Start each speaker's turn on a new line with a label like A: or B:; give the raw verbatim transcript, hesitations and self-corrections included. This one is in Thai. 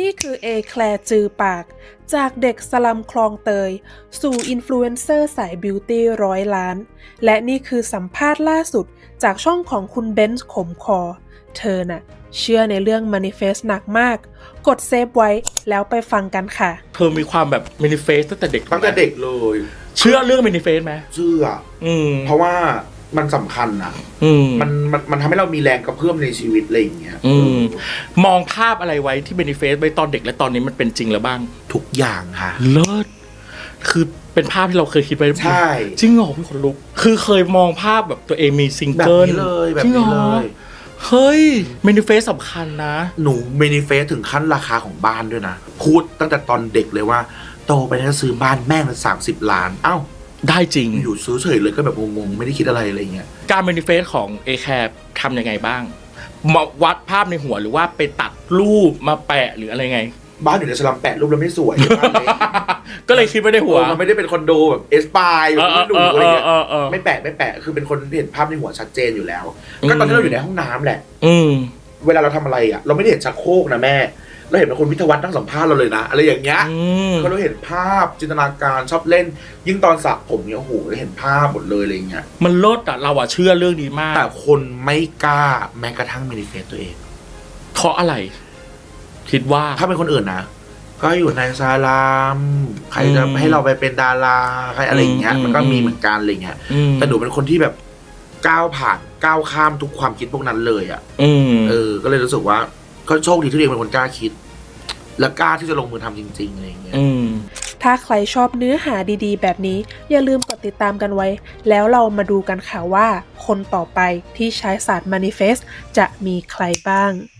A: นี่คือเอแคลร์จือปากจากเด็กสลัมคลองเตยสู่อินฟลูเอนเซอร์สายบิวตี้ร้อยล้านและนี่คือสัมภาษณ์ล่าสุดจากช่องของคุณเบนซ์ขมคอเธอน่ะเชื่อในเรื่อง Manifest หนักมากกดเซฟไว้แล้วไปฟังกันค่ะ
B: เธอมีความแบบ Manifest ตั้งแต่เด็ก
C: ตั้งแต่เด็กเลย
B: เชื่อเรื่อง Manifest ไหม
C: เชื่อ
B: อืม
C: เพราะว่ามันสำคัญนะ
B: อืม
C: มันมันมันทำให้เรามีแรงกระเพื่อมในชีวิตอะไรอย่างเงี้ย
B: อืมมองภาพอะไรไว้ที่ Manifest ไว้ตอนเด็กและตอนนี้มันเป็นจริงแล้วบ้าง
C: ทุกอย่างค่ะ
B: เลิศคือเป็นภาพที่เราเคยคิดไว้
C: ใช่
B: จริงเหรอพี่คนลุกคือเคยมองภาพแบบตัวเองมีซิงเกิล
C: แบบนี้เลยแบบนี้เลย
B: เฮ้ย Manifest สำคัญนะ
C: หนู Manifest ถึงขั้นราคาของบ้านด้วยนะพูดตั้งแต่ตอนเด็กเลยว่าโตไปแล้วซื้อบ้านแม่งละสามสิบล้านเอ้า
B: ได้จริง
C: อยู่ซื้อเฉยเลยก็แบบงงๆไม่ได้คิดอะไรอะไรเงี้ย
B: การ Manifest ของ เอ แคร์ ทำยังไงบ้างมาวัดภาพในหัวหรือว่าไปตัดรูปมาแปะหรืออะไรไง
C: บ้านอยู่ในสลัมแปะรูปแล้วไม่สวย
B: ก็เลยคิดไม่ได้หัว
C: มันไม่ได้เป็นคอนโดแบบเอสปายแบบไม่หรูอะไรเงี้ยไม่แปะไม่แปะคือเป็นคนเห็นภาพในหัวชัดเจนอยู่แล้วก็ตอนที่เราอยู่ในห้องน้ำแหละ
B: อืม
C: เวลาเราทำอะไรอ่ะเราไม่ได้เห็นชักโครกนะแม่เราเห็นเป็นคนวิทยาวัฒน์นั่งสัมภาษณ์เราเลยนะอะไรอย่างเงี้ยก็เราเห็นภาพจินตนาการชอบเล่นยิ่งตอนสระผมเนี่ยโอ้โหเราเห็นภาพหมดเลยอะไรเงี้ย
B: มันลดอ่ะเราอ่ะเชื่อเรื่องนี้มาก
C: แต่คนไม่กล้าแม้กระทั่ง Manifest ตัวเอง
B: เพราะอะไรคิดว่า
C: ถ้าเป็นคนอื่นนะก็อยู่ในซาลามใครจะให้เราไปเป็นดาราใครอะไรอย่างเงี้ยมันก็มีเหมือนกันอะไรเงี้ยแต่หนูเป็นคนที่แบบก้าวผ่านก้าวข้ามทุกความคิดพวกนั้นเลยอ่ะเออก็เลยรู้สึกว่าก็โชคดีที่ตัวเองเป็นคนกล้าคิดและกล้าที่จะลงมือทำจริงๆอะไรอย่างเงี้ย
A: ถ้าใครชอบเนื้อหาดีๆแบบนี้อย่าลืมกดติดตามกันไว้แล้วเรามาดูกันค่ะว่าคนต่อไปที่ใช้ศาสตร์ Manifest จะมีใครบ้าง